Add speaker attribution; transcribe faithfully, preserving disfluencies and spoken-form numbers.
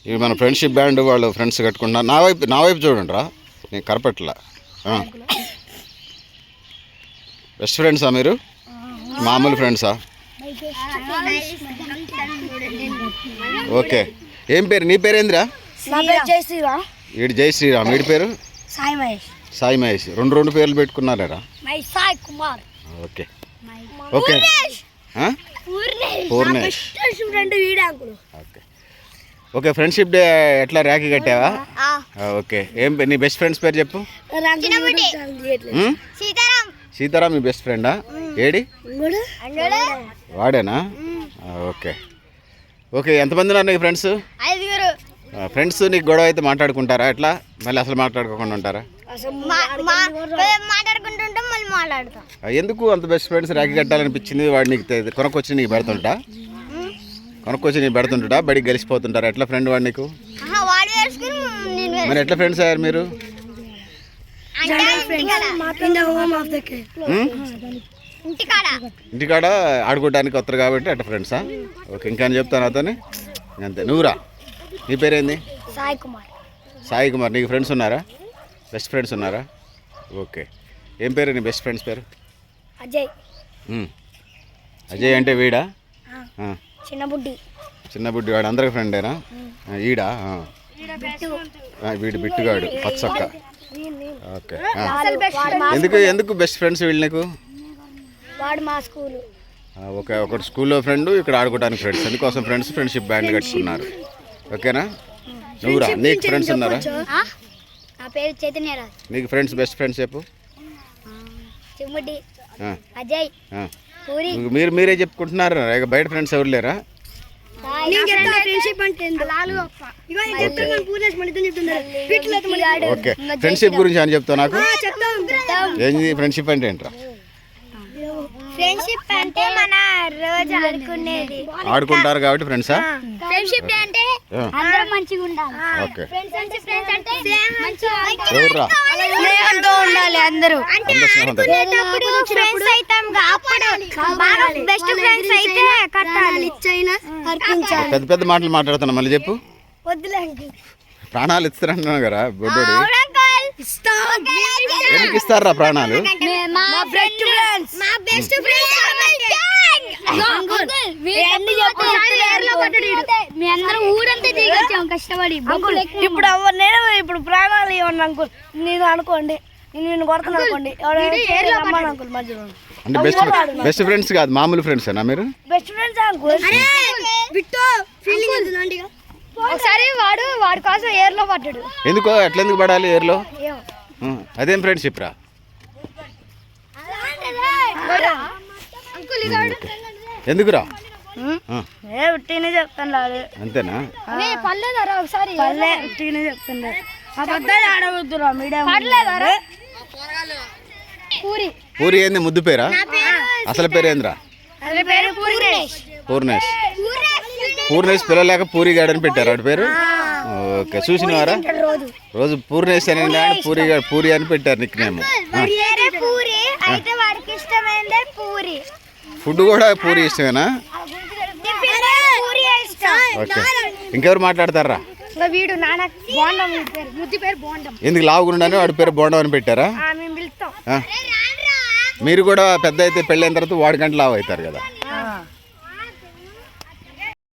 Speaker 1: ఇవి మన friendship band వాళ్ళు ఫ్రెండ్స్ కట్టుకుంటున్నారు. నా వైపు నా వైపు చూడండి రా, నేను కరపెట్టలా. బెస్ట్ ఫ్రెండ్సా మీరు? మామూలు ఫ్రెండ్సా? ఓకే. ఏం పేరు నీ పేరేందిరా?
Speaker 2: జై శ్రీరామ్.
Speaker 1: వీడి జై శ్రీరామ్. వీడి పేరు
Speaker 2: సాయి మహేష్.
Speaker 1: సాయి మహేష్. రెండు రెండు పేర్లు పెట్టుకున్నారా?
Speaker 2: Sai Kumar.
Speaker 1: Okay okay. Purnesh. Okay okay. Friendship day ఎట్లా రాఖీ కట్టావా? ఓకే. ఏం నీ బెస్ట్ ఫ్రెండ్స్ పేరు చెప్పు. సీతారాం మీ బెస్ట్ ఫ్రెండా? ఏడి వాడేనా? Okay okay. ఎంతమంది ఉన్నారు నీకు ఫ్రెండ్స్? ఫ్రెండ్స్ నీకు గొడవ అయితే మాట్లాడుకుంటారా? ఎట్లా మళ్ళీ అసలు మాట్లాడుకోకుండా ఉంటారా? ఎందుకు అంత బెస్ట్ ఫ్రెండ్స్ రాఖీ కట్టాలనిపించింది? వాడు నీకు కొనకొచ్చి నీకు పెడుతుంటా కొనకొచ్చి నీకు పెడుతుంటా బడికి గెలిచిపోతుంటారా? ఎట్లా ఫ్రెండ్ వాడు నీకు? మరి ఎట్లా ఫ్రెండ్స్ అయ్యారు మీరు? ఇంటికాడ ఆడుకోవడానికి వస్తారు కాబట్టి అట్లా ఫ్రెండ్సా? ఓకే. ఇంకా చెప్తాను అతని అంతే. నువ్వురా, నీ పేరేంది?
Speaker 2: సాయి కుమార్.
Speaker 1: సాయి కుమార్. నీకు ఫ్రెండ్స్ ఉన్నారా? బెస్ట్ ఫ్రెండ్స్ ఉన్నారా? ఓకే. ఏం పేరు నీ బెస్ట్ ఫ్రెండ్స్ పేరు?
Speaker 2: అజయ్.
Speaker 1: అజయ్ అంటే వీడా?
Speaker 2: చిన్నబుడ్డి.
Speaker 1: చిన్నబుడ్డి వాడు అందరికి ఫ్రెండేనా? ఈడా? వీడు బిట్టుగాడు పచ్చొక్క. ఓకే. ఎందుకు ఎందుకు బెస్ట్ ఫ్రెండ్స్ వీళ్ళు నీకు?
Speaker 2: వాడు మా స్కూలు.
Speaker 1: ఓకే. ఒకటి స్కూల్లో ఫ్రెండ్, ఇక్కడ ఆడుకోవడానికి ఫ్రెండ్స్. అందుకోసం ఫ్రెండ్స్ ఫ్రెండ్షిప్ బ్యాండ్ కట్టుకున్నారు. ఓకేనా? నువ్వురా, నీకు ఫ్రెండ్స్ ఉన్నారా?
Speaker 2: నా పేరు చైతన్యరాజ్.
Speaker 1: నీకు ఫ్రెండ్స్ బెస్ట్ ఫ్రెండ్స్ చెప్పు.
Speaker 2: చిమ్ముడి, అజయ్, పూరి.
Speaker 1: మీరు మీరే చెప్పుకుంటున్నారు, బయట ఫ్రెండ్స్ ఎవరు లేరా? ఓకే. ఫ్రెండ్షిప్ గురించి అని చెప్తావు నాకు. ఏంది ఫ్రెండ్షిప్ అంటే ఏంట్రా?
Speaker 2: ఫ్రెండ్షిప్ అంటే మన రోజు ఆడుకునేది.
Speaker 1: ఆడుకుంటారు కాబట్టి ఫ్రెండ్సా?
Speaker 2: ఫ్రెండ్షిప్ అంటే అందరం మంచిగా ఉండాలి.
Speaker 1: ఓకే.
Speaker 2: ఫ్రెండ్స్ అంటే ఫ్రెండ్స్ అంటే మంచిగా
Speaker 1: ఎవర్రా?
Speaker 2: స్నేహంతో ఉండాలి అందరూ. అంటే ఆడుకునేటప్పుడు ఫ్రెండ్స్ అయితాం, అప్పుడు బాగా బెస్ట్ ఫ్రెండ్స్ అయితే కట్టాలి, ఇచ్చైనా అర్పించాలి.
Speaker 1: పెద్ద పెద్ద మాటలు మాట్లాడుతున్నా, మళ్ళీ చెప్పు.
Speaker 2: వద్దులే,
Speaker 1: ప్రాణాలు ఇస్తారంటున్నావు కదా బొడ్డోడి. ఎందుకు ఇస్తారా ప్రాణాలు?
Speaker 2: మా బెస్ట్ ఫ్రెండ్స్. మా బెస్ట్ ఫ్రెండ్స్ మీ అందరం ఊరంతా దిగొచ్చాం కష్టపడి. ఇప్పుడు నేను ఇప్పుడు ప్రాణాలు ఇవ్వండి అంకుల్, నేను అనుకోండి, నేను నిన్ను కొడుతున్నా అనుకోండి, అంకుల్ మధ్యలో.
Speaker 1: అంటే బెస్ట్ బెస్ట్ ఫ్రెండ్స్ కాదు, మామూలు ఫ్రెండ్స్ ఏనా మీరు?
Speaker 2: Best friends uncle. ఒకసారి వాడు వాడి కోసం ఏర్లో పడ్డాడు.
Speaker 1: ఎందుకో ఎట్లా ఎందుకు పడాలి ఏర్లో? అదేం ఫ్రెండ్షిప్ రా? ఎందుకురా?
Speaker 2: చెప్తాను
Speaker 1: అంతేనా?
Speaker 2: ఒకసారి చెప్తాను. పూరి.
Speaker 1: పూరి ఏంది ముద్దు పేరా? అసలు పేరు ఏందిరా? పూర్ణేష్. పూర్ణేష్ పిల్లలేక పూరి గాడని పెట్టారు వాడి పేరు. ఓకే. చూసినవారా? రోజు పూర్ణేష్ అని పూరి పూరి అని పెట్టారు నిక్ నేమ్. ఫుడ్ కూడా పూరి ఇష్టమేనా? ఓకే. ఇంకెవరు మాట్లాడతారా? ఎందుకు లావుగుండని వాడి పేరు బోండం అని పెట్టారా? మీరు కూడా పెద్ద అయితే పెళ్ళైన తర్వాత వాడి గంట లావు అవుతారు కదా.